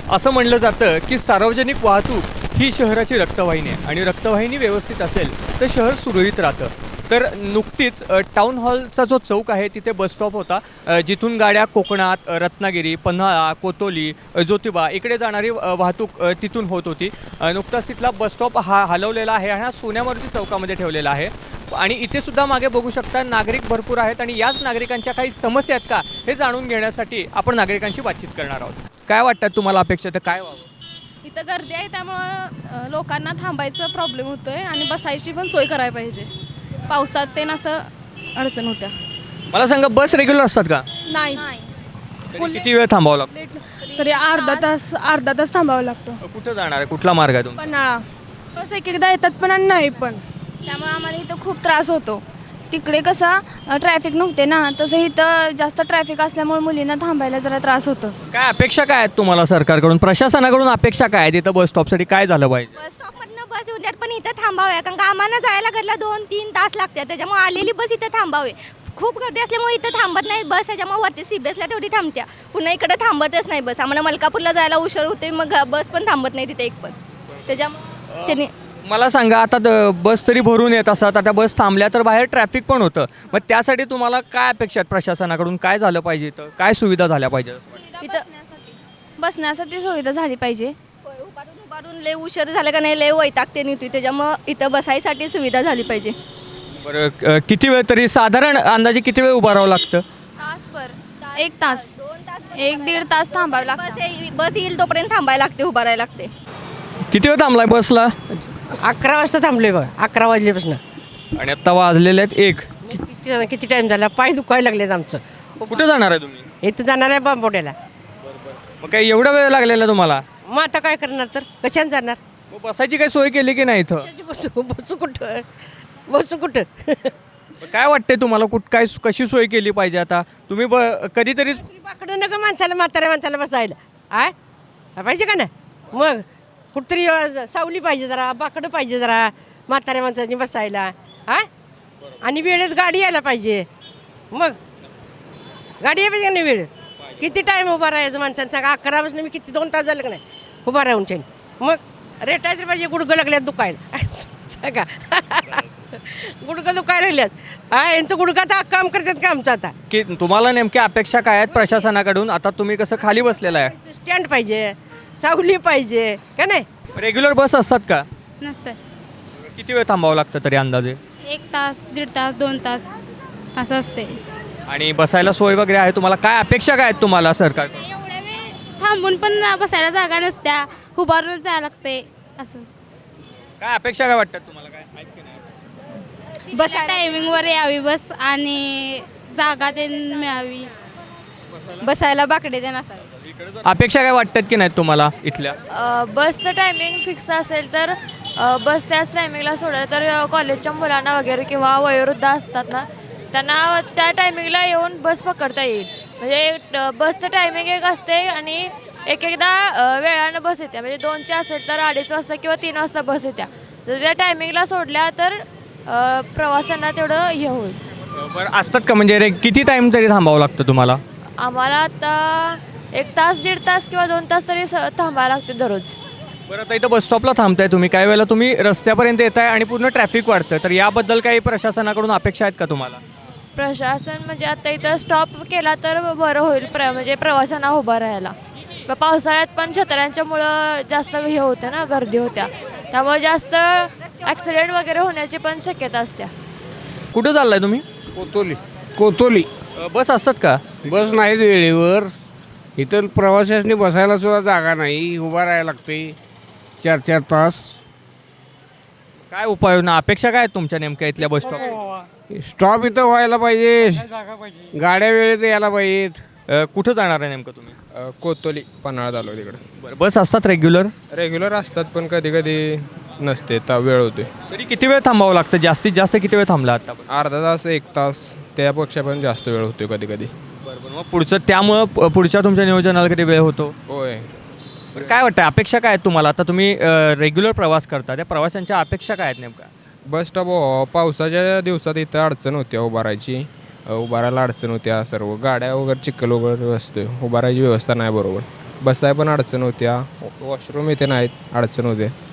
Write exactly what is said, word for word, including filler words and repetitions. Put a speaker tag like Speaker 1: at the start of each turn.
Speaker 1: असं म्हणलं जातं की सार्वजनिक वाहतूक ही शहराची रक्तवाहिनी आहे आणि रक्तवाहिनी व्यवस्थित असेल तर शहर सुरळीत राहतं. तर नुकतीच अ, टाउन हॉलचा जो चौक आहे तिथे बस स्टॉप होता, अ, जिथून गाड्या कोकणात, अ, रत्नागिरी, पन्हाळा, कोतोली, अ, ज्योतिबा इकडे जाणारी अ, वाहतूक अ, तिथून होत होती. अ, नुकताच तिथला बस स्टॉप हा हलवलेला आहे आणि हा सोन्यामारुती चौकामध्ये ठेवलेला आहे. आणि इथे सुद्धा मागे बघू शकता नागरिक भरपूर आहेत आणि याच नागरिकांच्या काही समस्या आहेत का हे जाणून घेण्यासाठी आपण नागरिकांशी बातचीत करणार आहोत. काय वाटतं तुम्हाला अपेक्षा तर काय व्हावं?
Speaker 2: इथं गर्दी आहे त्यामुळं अ, लोकांना थांबायचं प्रॉब्लेम होतोय आणि बसायची पण सोय करायला पाहिजे. पावसात ते असं अडचण होत्या.
Speaker 1: मला सांगा, बस रेग्युलर असतात का?
Speaker 2: नाही
Speaker 1: तरी किती वेळ थांबावं लागतं?
Speaker 2: तरी अर्धा तास अर्धा तास थांबावं लागतं.
Speaker 1: कुठं जाणार आहे, कुठला मार्ग आहे तुमचा?
Speaker 2: पन्हाळा बस एक एकदा येतात पण आणि नाही पण.
Speaker 3: त्यामुळे आम्हाला इथं खूप त्रास होतो. तिकडे कसं ट्रॅफिक नव्हते ना, तसं इथं जास्त ट्रॅफिक असल्यामुळे मुलींना थांबायला जरा त्रास होतो.
Speaker 1: काय अपेक्षा काय आहेत तुम्हाला सरकारकडून, प्रशासनाकडून अपेक्षा काय आहेत? इथं बस स्टॉपसाठी काय झालं पाहिजे?
Speaker 4: बस स्टॉपवरनं बस येऊन द्यात पण इथं थांबावे, कारण का आम्हाला जायला घरला दोन तीन तास लागतात. त्याच्यामुळे आलेली बस इथं थांबावे. खूप गर्दी असल्यामुळे इथं थांबत नाही बस, त्याच्यामुळे वरती सी बी एसला तेवढी थांबत्या, पुन्हा इकडे थांबतच नाही बस. आम्हाला मलकापूरला जायला उशीर होते, मग बस पण थांबत नाही तिथे एक पण. त्याच्यामुळे त्यांनी
Speaker 1: मला सांगा, आता द- बस तरी भरून येत असतात, आता बस थांबल्या तर बाहेर ट्रॅफिक पण होतं. मग त्यासाठी तुम्हाला काय अपेक्षा आहेत प्रशासनाकडून? काय झालं पाहिजे, इथं काय सुविधा झाल्या पाहिजे?
Speaker 3: इथं बसण्यासाठी सुविधा झाली पाहिजे.
Speaker 4: होय, उभारून उभारून लय उशीर झाला का नाही, लय वैतागते नाही, त्याच्यामुळं इथं बसायसाठी सुविधा झाली पाहिजे.
Speaker 1: बरं, अ, किती वेळ तरी साधारण अंदाजे किती वेळ उभं राहावं लागतं?
Speaker 3: तासभर एक तास
Speaker 4: दोन तास
Speaker 3: एक दीड तास थांबावं
Speaker 4: बस
Speaker 3: लागतं.
Speaker 4: येईल- बस येईल तोपर्यंत थांबायला लागते, उभा राहायला लागते.
Speaker 1: किती वेळ थांबलाय बसला?
Speaker 5: अकरा वाजता थांबलोय बघा, अकरा वाजल्यापासून.
Speaker 1: आणि आत्ता वाजलेले आहेत एक.
Speaker 5: किती किती टाईम झाला, पाय दुखायला लागलेत आमचं.
Speaker 1: कुठं जाणार आहे तुम्ही?
Speaker 5: इथं जाणार आहे बांबोड्याला.
Speaker 1: मग काय एवढा वेळ लागलेला तुम्हाला?
Speaker 5: मग आता काय करणार, तर कशाने जाणार?
Speaker 1: मग बसायची काही सोय केली की नाही इथं?
Speaker 5: कशाची बसू बसू कुठं बसू कुठं
Speaker 1: मग काय वाटतंय तुम्हाला, कुठ काय कशी सोय केली पाहिजे? आता तुम्ही ब कधीतरी
Speaker 5: बाकडं नका माणसाला, म्हाताऱ्या माणसाला बसायला. आय पाहिजे का ना? मग कुठतरी अ, सावली पाहिजे, जरा बाकडं पाहिजे जरा म्हाताऱ्या माणसाने बसायला. हा आणि वेळेत गाडी यायला पाहिजे. मग गाडी यायला पाहिजे का नाही वेळेत? किती टाईम उभा राहायचं माणसाने सांगा? अकरा वाजता मी किती दोन तास झालं का नाही उभा राहून ठेन. मग रेटायचं पाहिजे, गुडघं लागल्यात दुखायला सांगा गुडघं दुखायला लागल्यात. हा यांचं गुडघं आता काम करतात का आमचं? आता
Speaker 1: की तुम्हाला नेमक्या अपेक्षा काय आहेत प्रशासनाकडून? आता तुम्ही कसं खाली बसलेला आहे,
Speaker 5: स्टँड पाहिजे, सावली पाहिजे का नाही?
Speaker 1: रेग्युलर बस असतात का?
Speaker 2: नसतं.
Speaker 1: किती वेळ थांबावं लागतं तरी अंदाजे?
Speaker 2: एक तास दीड तास दोन तास असं असते.
Speaker 1: आणि बसायला सोय वगैरे आहे तुम्हाला? काय अपेक्षा काय आहेत तुम्हाला सरकार?
Speaker 2: एवढ्या वेळ थांबून पण बसायला जागा नसत्या, उभारून जायला लागते असं.
Speaker 1: काय अपेक्षा काय वाटतात तुम्हाला? काय आहेत की नाही?
Speaker 2: बस टायमिंगवर यावी बस आणि जागा ते मिळावी.
Speaker 4: बसायला बाकडे देणार असावे.
Speaker 1: अपेक्षा काय वाटतात की नाहीत तुम्हाला इथल्या?
Speaker 6: अ, बसचं टायमिंग फिक्स असेल तर अ, बस त्याच टायमिंगला सोडलं तर अ, कॉलेजच्या मुलांना वगैरे किंवा वयोवृद्ध असतात ना, त्यांना त्या टायमिंगला येऊन बस पकडता येईल. म्हणजे ट- बसचं टायमिंग एक असते आणि एक एकदा अ, वेळानं बस येते. म्हणजे दोनचे असेल तर अडीच वाजता किंवा तीन वाजता बस येत्या. जर त्या टायमिंगला सोडल्या तर अ, प्रवाशांना तेवढं हे होईल.
Speaker 1: बरं, असतात का म्हणजे रे किती टाईम तरी थांबावं लागतं तुम्हाला?
Speaker 6: आम्हाला आता एक तास दीड तास किंवा दोन तास तरी स थांबायला लागते दररोज.
Speaker 1: बरं, आता इथं बस स्टॉपला थांबताय तुम्ही, काही वेळेला तुम्ही रस्त्यापर्यंत येत आहे आणि पूर्ण ट्रॅफिक वाढतं, तर याबद्दल काही प्रशासनाकडून अपेक्षा आहेत का तुम्हाला?
Speaker 6: प्रशासन म्हणजे आता इथं स्टॉप केला तर बरं होईल, प्र म्हणजे प्रवाशांना उभं राहायला. प- पावसाळ्यात पण छत्र्यांच्यामुळं जास्त हे होतं ना, गर्दी होत्या, त्यामुळे जास्त ॲक्सिडेंट वगैरे होण्याची पण शक्यता असते.
Speaker 1: कुठं चाललाय तुम्ही?
Speaker 7: कोतोली कोतोली
Speaker 1: अ, बस असतात का?
Speaker 7: बस नाहीत वेळेवर. इथं प्रवाशांनी बसायला सुद्धा जागा नाही, उभा राहायला लागते चार चार तास.
Speaker 1: काय उपाययोजना, अपेक्षा काय आहेत तुमच्या नेमक्या इथल्या बस स्टॉप?
Speaker 7: स्टॉप इथं व्हायला पाहिजे, गाड्या वेळेत यायला पाहिजेत.
Speaker 1: कुठं जाणार आहे नेमकं तुम्ही?
Speaker 8: अ, कोतोली पन्हाळा आलो तिकडे.
Speaker 1: बरं, बस असतात रेग्युलर?
Speaker 8: रेग्युलर असतात पण कधी कधी नसते, तर वेळ होते.
Speaker 1: तरी किती वेळ थांबावं लागतं? जास्तीत जास्त किती वेळ थांबला आता?
Speaker 8: अर्धा तास एक तास त्यापेक्षा पण जास्त वेळ होतो कधी कधी.
Speaker 1: बरं बरं, मग पुढचं त्यामुळं प- पुढच्या तुमच्या नियोजनाला किती वेळ होतो?
Speaker 8: होय.
Speaker 1: बरं, काय वाटतं अपेक्षा काय आहेत तुम्हाला? आता तुम्ही रेग्युलर प्रवास करता, त्या प्रवाशांच्या अपेक्षा काय आहेत नेमका?
Speaker 8: बस स्टॉप हो, पावसाच्या दिवसात इथं अडचण होत्या उभारायची, उभारायला अडचण होत्या. सर्व गाड्या वगैरे चिखल वगैरे असते, उभारायची व्यवस्था नाही बरोबर. बसाय पण अडचण होत्या, वॉशरूम इथे नाहीत, अडचण होते.